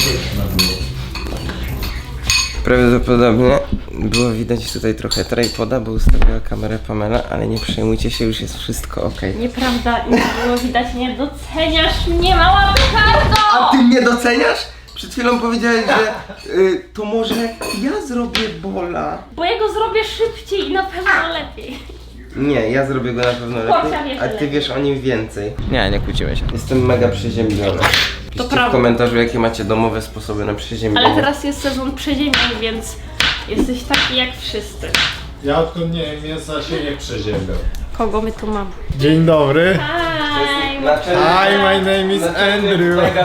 Prawdopodobnie było widać tutaj trochę tripoda, bo ustawiła kamerę Pamela, ale nie przejmujcie się, już jest wszystko ok. Nieprawda, nie było widać, nie doceniasz mnie, mała petardo! A ty mnie doceniasz? Przed chwilą powiedziałeś, że to może ja zrobię bola. Bo ja go zrobię szybciej i na pewno lepiej. Nie, ja zrobię go na pewno lepiej, a ty wiesz o nim więcej. Nie kłócimy się. Jestem mega przeziębiony. Piszcie w prawda. komentarzu, jakie macie domowe sposoby na przeziębienie. Ale teraz jest sezon przeziemień, więc jesteś taki jak wszyscy. Ja odkąd nie jem mięsa się nie przeziębiam. Kogo my tu mamy? Dzień dobry. Hi! Hi, my name is Andrew.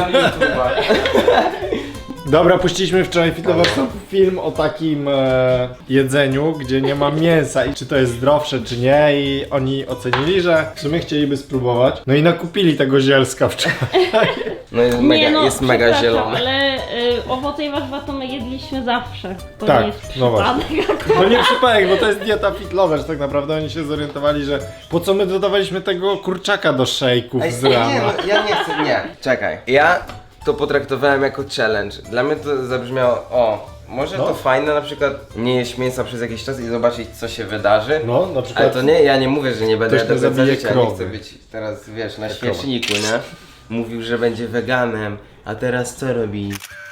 Dobra, puściliśmy wczoraj film o takim jedzeniu, gdzie nie ma mięsa i czy to jest zdrowsze, czy nie, i oni ocenili, że w sumie chcieliby spróbować. No i nakupili tego zielska wczoraj. No jest mega przepraszam, zielony. Ale owoce i warzywa to my jedliśmy zawsze. To Tak, nie jest no właśnie. przypadek. No nie przypadek, bo to jest dieta fit lovers, tak naprawdę oni się zorientowali, że po co my dodawaliśmy tego kurczaka do szejków z rana. Nie, no, ja nie chcę, nie. Czekaj. Ja to potraktowałem jako challenge. Dla mnie to zabrzmiało, może to fajne na przykład nie jeść mięsa przez jakiś czas i zobaczyć, co się wydarzy. No, na przykład. Ale to nie, ja nie mówię, że nie będę Ktoś nie do końca zabije życia, ja nie krowy. chcę być teraz, wiesz, na świeczniku, nie? Mówił, że będzie weganem, a teraz co robi?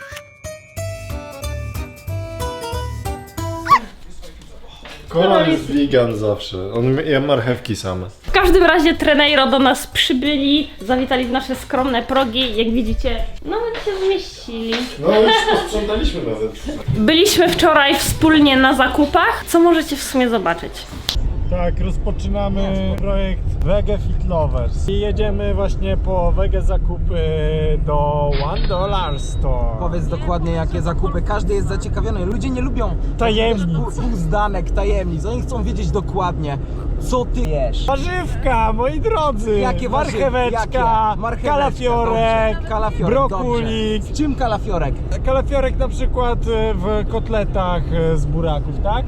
Koral jest vegan zawsze. On je marchewki same. W każdym razie Treneiro do nas przybyli, zawitali w nasze skromne progi. Jak widzicie, nawet się zmieścili. No już posprzątaliśmy nawet. Byliśmy wczoraj wspólnie na zakupach, co możecie w sumie zobaczyć. Tak, rozpoczynamy projekt Wege Fit Lovers. I jedziemy właśnie po wege zakupy do $1 Store. Powiedz dokładnie, jakie zakupy. Każdy jest zaciekawiony. Ludzie nie lubią Tajemnic. uzdanek, tajemnic. Oni chcą wiedzieć dokładnie, co ty jesz. Warzywka, moi drodzy! Jakie warzywa? Marcheweczka, Marcheweczka, kalafiorek, dobrze. Kalafiorek, brokulik. dobrze. Z czym kalafiorek? Kalafiorek na przykład w kotletach z buraków, tak?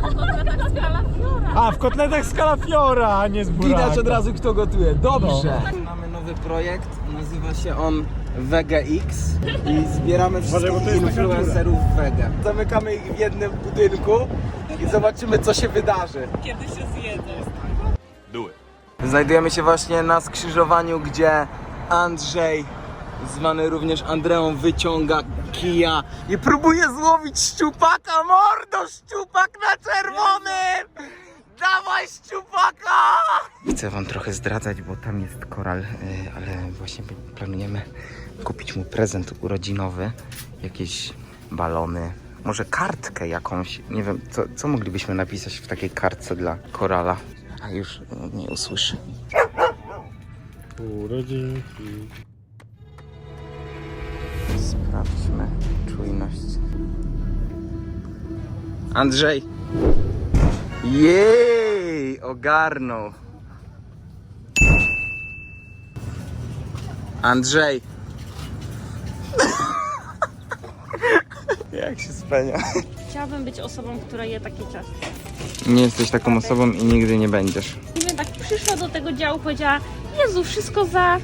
A, w kotletach z kalafiora, a nie z buraka. Widać od razu, kto gotuje. Dobrze. No. Mamy nowy projekt, nazywa się on Vega X i zbieramy Uważaj, bo to wszystkich jest taka influencerów Vega. Zamykamy ich w jednym budynku i zobaczymy, co się wydarzy. Znajdujemy się właśnie na skrzyżowaniu, gdzie Andrzej, zwany również Andreą, wyciąga kija i próbuje złowić szczupaka. Mordo, szczupak na czerwonym! Dawaj szczupaka! Chcę wam trochę zdradzać, bo tam jest koral, ale właśnie planujemy kupić mu prezent urodzinowy. Jakieś balony, może kartkę jakąś. Nie wiem, co moglibyśmy napisać w takiej kartce dla korala. A już nie usłyszy. Urodzinki. Sprawdźmy czujność. Andrzej! Jej! Ogarnął. Andrzej! Jak się spenia? Chciałabym być osobą, która je takie ciasto. Nie jesteś taką osobą i nigdy nie będziesz. I bym tak przyszła do tego działu, powiedziała: Jezu, wszystko za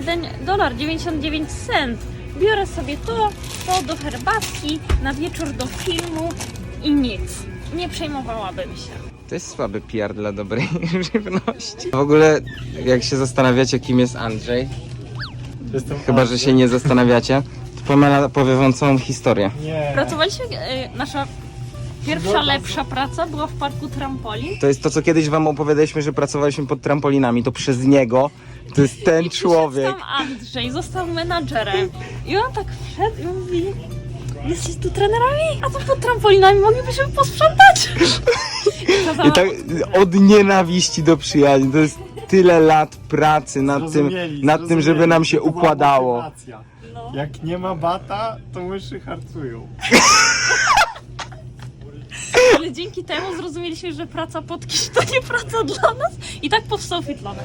$1,99. Biorę sobie to do herbatki, na wieczór do filmu i nic. Nie przejmowałabym się. To jest słaby PR dla dobrej żywności. W ogóle, jak się zastanawiacie, kim jest Andrzej, chyba że się nie zastanawiacie, to Pamela powie wam całą historię. Nie. Pracowaliśmy, nasza pierwsza lepsza praca była w parku trampolin. To jest to, co kiedyś wam opowiadaliśmy, że pracowaliśmy pod trampolinami, to przez niego. To jest ten człowiek. Tam Andrzej został menadżerem. I on tak wszedł i mówi: jesteś tu trenerami? A to pod trampolinami moglibyśmy posprzątać. I tak od nienawiści do przyjaźni. To jest tyle lat pracy nad tym, żeby nam się układało. No. Jak nie ma bata, to myszy harcują. Ale dzięki temu zrozumieliśmy, że praca pod kimś to nie praca dla nas. I tak powstał Fitlonek.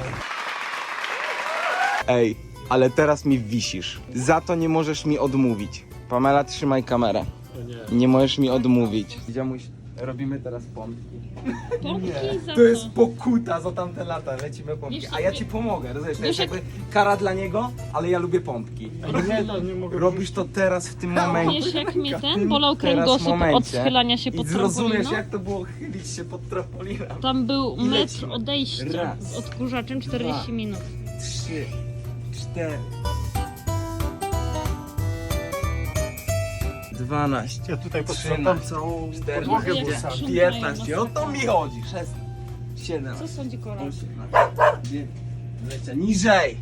Ej, ale teraz mi wisisz. Za to nie możesz mi odmówić. Pamela, trzymaj kamerę. Nie możesz mi odmówić. Ziomuś, Robimy teraz pompki. Pompki za To jest pokuta za tamte lata, lecimy pompki. Wiesz, A ja ci pomogę, rozumiesz? To jest Wiesz, jakby kara dla niego, ale ja lubię pompki. Nie mogę. Robisz to teraz w tym momencie. Wiesz, jak mnie W ten tym bolał teraz kręgosłup od momencie. schylania się I pod zrozumiesz, trampoliną? jak to było chylić się pod trampoliną. Tam był I metr lecimy. odejścia Raz, z odkurzaczem 40 dwa. minut. 3, 4, 12, Ja tutaj 13, całą 14, Jezu, jak sprzątają 15, o to mi chodzi, 16, 17, Co sądzi Kola? 18, 20, niżej!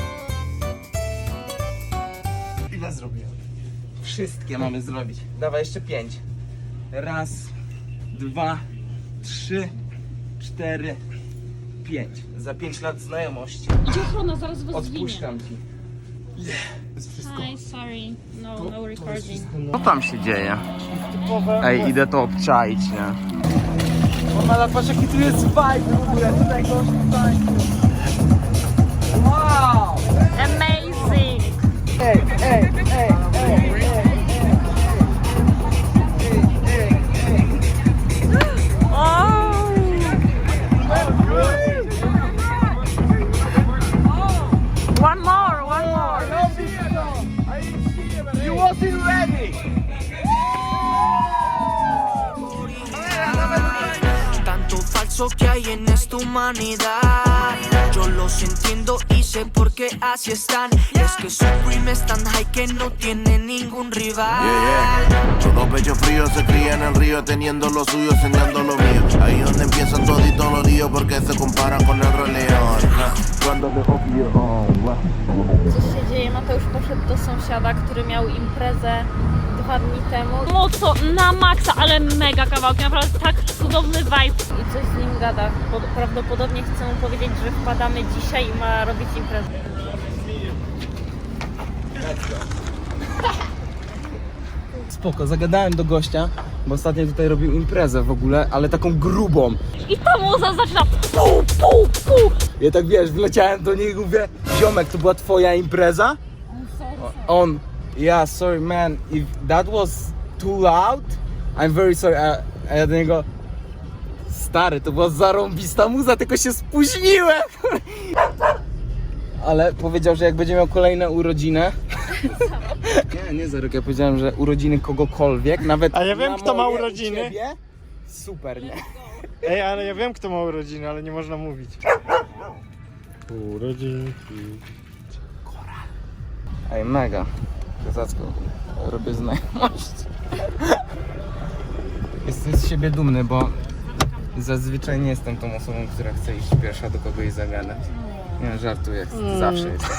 Ile zrobiłem? Wszystkie mamy zrobić. Dawaj jeszcze 5. Raz, 2, 3, 4, 5. Za 5 lat znajomości. Idzie ochrona, zaraz was zwinie. Odpuszczam ci. To jest wszystko. Hi, sorry. No recording. Co tam się dzieje? Typowe. Ej, idę to obczaić, nie? O, patrz jaki tu jest vibe w ogóle, tutaj gość tańczy. Wow! Amazing! Ej, ej, ej, ej, ej. One more, one more. You wasn't ready! Tanto falso que hay en esta humanidad. Yo los entiendo y sé por qué así están. Es que Supreme es tan high que no tiene ningún rival. Todo pecho frío se cría en el río, teniendo lo suyo, enseñando lo mío. Ahí donde empiezan toditos los líos, porque se comparan con el Rey León. Cuando te Co się dzieje? Mateusz poszedł do sąsiada, który miał imprezę 2 dni temu. Mocno na maksa, ale mega kawałki, naprawdę tak cudowny vibe. I coś z nim gada. Prawdopodobnie chcę mu powiedzieć, że wpadamy dzisiaj i ma robić imprezę. Spoko, zagadałem do gościa, bo ostatnio tutaj robił imprezę w ogóle, ale taką grubą. I ta muza zaczyna pu, pu, pu. Ja tak wiesz, wleciałem do niego i mówię, ziomek, to była twoja impreza? On, yeah, sorry man, if that was too loud, I'm very sorry. A ja do niego, stary, to była zarąbista muza, tylko się spóźniłem. Ale powiedział, że jak będzie miał kolejne urodziny. Nie za rok, ja powiedziałem, że urodziny kogokolwiek, nawet. A ja wiem, na kto ma moje i urodziny. ciebie. Super, nie? Ej, ale ja wiem, kto ma urodziny, ale nie można mówić. Urodzinki. Ej, mega. Kozacko. Robię znajomość. Jestem z siebie dumny, bo zazwyczaj nie jestem tą osobą, która chce iść pierwsza do kogoś zagadać. Nie, żartuję, zawsze jestem.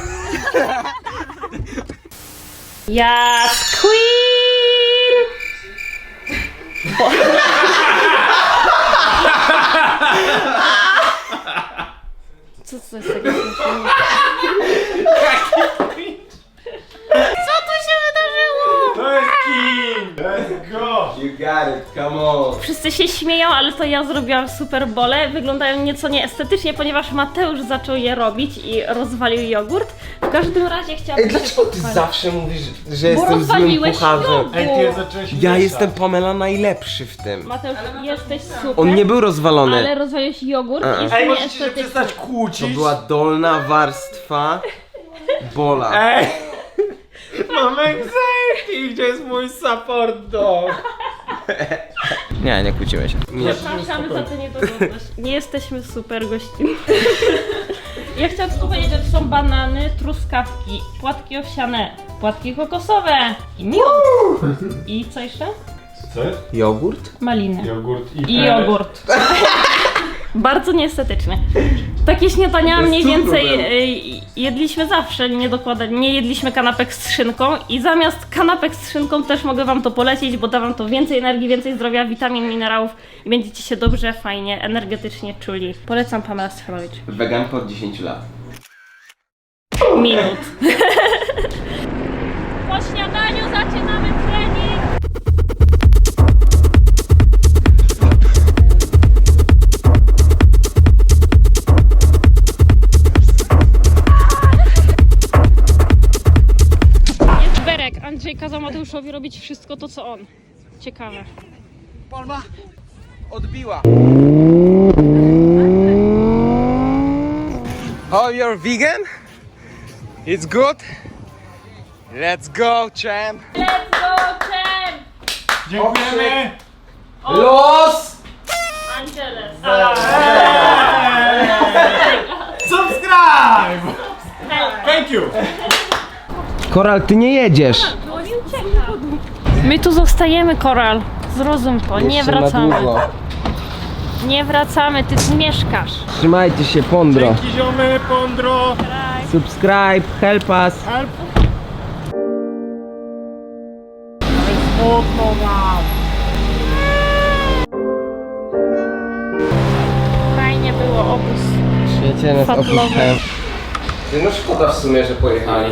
Yes, queen! Co to jest takiego? Co tu się wydarzyło? To jest king! Let's go! You got it, come on. Wszyscy się śmieją, ale to ja zrobiłam super bole. Wyglądają nieco nieestetycznie, ponieważ Mateusz zaczął je robić i rozwalił jogurt. W każdym razie chciałabym Ej, dlaczego ty pochwalić. zawsze mówisz, że Bo jestem złym rozwaliłeś kucharzem? jogurt. Ej, ty zacząłeś Ja mieszać. jestem, Pamela, najlepszy w tym. Mateusz, jesteś super. On nie był rozwalony. Ale rozwaliłeś jogurt i jest Ej, możecie się nieestetyczny. przestać To kłócić? była dolna warstwa bola. Ej! Mam anxiety! Gdzie jest mój support dog? Nie kłóciłeś się. Nie. Przepraszamy za tę niedogodność. Nie jesteśmy super gośćmi. Ja chciałam tylko powiedzieć, że to są banany, truskawki, płatki owsiane, płatki kokosowe i miód. I co jeszcze? Co jest? Jogurt? Maliny. Jogurt I jogurt. Bardzo nieestetyczny. Takie śniadania mniej cukru więcej był. jedliśmy zawsze, nie jedliśmy kanapek z szynką i zamiast kanapek z szynką też mogę wam to polecić, bo da wam to więcej energii, więcej zdrowia, witamin, minerałów i będziecie się dobrze, fajnie, energetycznie czuli. Polecam Pamela Stefanovic. Weganka od 10 lat. Minut. Po śniadaniu zaczynamy trening. Jest Berek. Andrzej kazał Mateuszowi robić wszystko to, co on. Ciekawe. Palma, odbiła. Oh, you're vegan? It's good? Let's go, champ! Let's go, champ! Dziękujemy! Los! Angeles. Subscribe! Thank you! Koral, ty nie jedziesz. My tu zostajemy, Koral. Zrozum to, nie Jeszcze na wracamy. długo. Nie wracamy, ty tu mieszkasz. Trzymajcie się, Pondro. Dzięki ziomy, Pondro! Subscribe, help us. Help! Smutno nam! Fajnie było obóz. Świecie nas Fatlowy. opuszczają. No szkoda w sumie, że pojechali.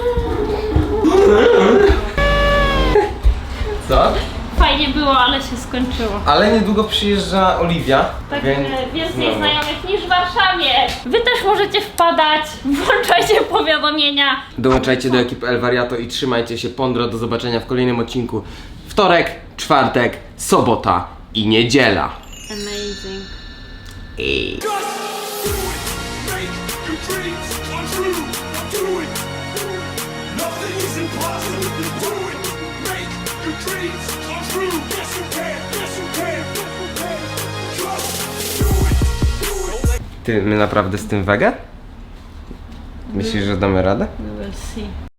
Co? Fajnie było, ale się skończyło. Ale niedługo przyjeżdża Oliwia. Tak, więc więcej znowu. znajomych niż w Warszawie. Wy też możecie wpadać, włączajcie powiadomienia. Dołączajcie do ekipy El Wariato i trzymajcie się, Pondro. Do zobaczenia w kolejnym odcinku. Wtorek, czwartek, sobota i niedziela. Amazing. Ej. Make your dreams come true. Do it. Nothing is impossible. Do it. Make your dreams come true. Yes, you can. Yes, you can. Just do it. Do it. Ty, my naprawdę z tym wege? Myślisz, że damy radę? We will see.